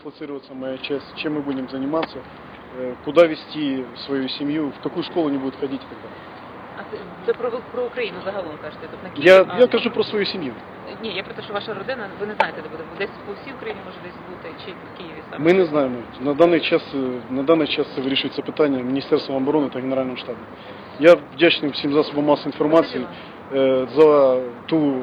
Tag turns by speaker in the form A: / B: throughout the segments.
A: дислоцироваться моя часть, чем мы будем заниматься, куда вести свою семью, в какую школу они будут ходить и так далее.
B: А це про Україну загалом кажете? Тут на Київ?
A: Я кажу про свою семью.
B: Ні, я про те, що ваша родина, ви не знаєте, де буде. Десь по всій Україні може десь бути, чи в Києві саме?
A: Ми не знаємо. На даний час це вирішується питання Міністерством оборони та Генеральним штабом. Я вдячний всім засобам масової інформації за ту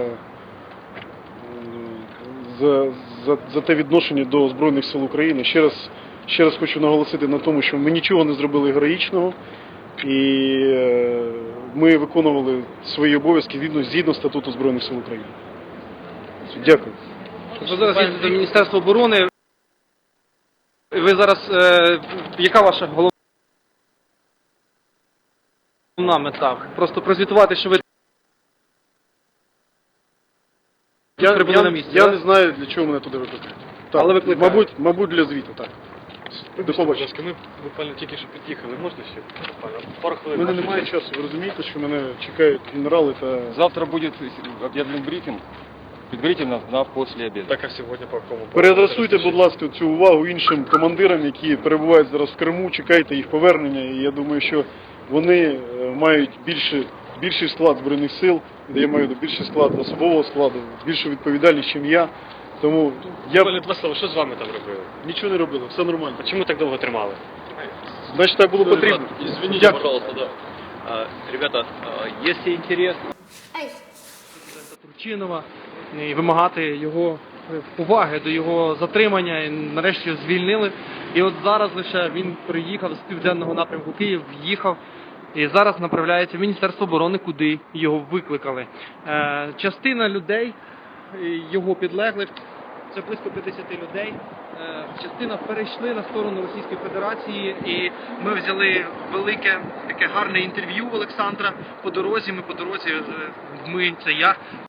A: за те відношення до Збройних сил України. Ще раз хочу наголосити на тому, що ми нічого не зробили героїчного і ми виконували свої обов'язки згідно статуту Збройних сил України. Дякую.
C: Ви зараз їздите до Міністерства оборони. Ви зараз, яка ваша головна мета? Просто прозвітувати, що ви прибули на місці?
A: Я не знаю, для чого мене туди викликають.
C: Але викликають.
A: Мабуть, для звіту, так. До побачення.
D: Ми буквально тільки що під'їхали, можна ще? Пару
A: У
D: хвилин.
A: мене немає часу, ви розумієте, що мене чекають генерали та...
E: Завтра будет объявлен брифинг, предварительно на после обеда.
D: Так, а сьогодні по якому?
A: Переадресуйте, будь ласка, цю увагу іншим командирам, які перебувають зараз в Криму, чекайте їх повернення, і я думаю, що вони мають більший склад Збройних сил, я маю більший склад особового складу, більшу відповідальність, ніж я. Тому я
D: Буквально два слова, що з вами там робили?
A: нічого не робили, все нормально.
D: А чому так довго тримали?
A: Значить, так було потрібно.
F: Извините,
A: Дякую.
F: пожалуйста, да. Ребята, если интересно...
C: Турчинова і вимагати його поваги до його затримання і нарешті звільнили. І от зараз лише він приїхав з південного напрямку Київ, в'їхав і зараз направляється в Міністерство оборони, куди його викликали. Частина людей, його підлеглих, це близько 50 людей, частина перейшли на сторону Російської Федерації, і ми взяли велике, таке гарне інтерв'ю в Олександра по дорозі. Ми, це я,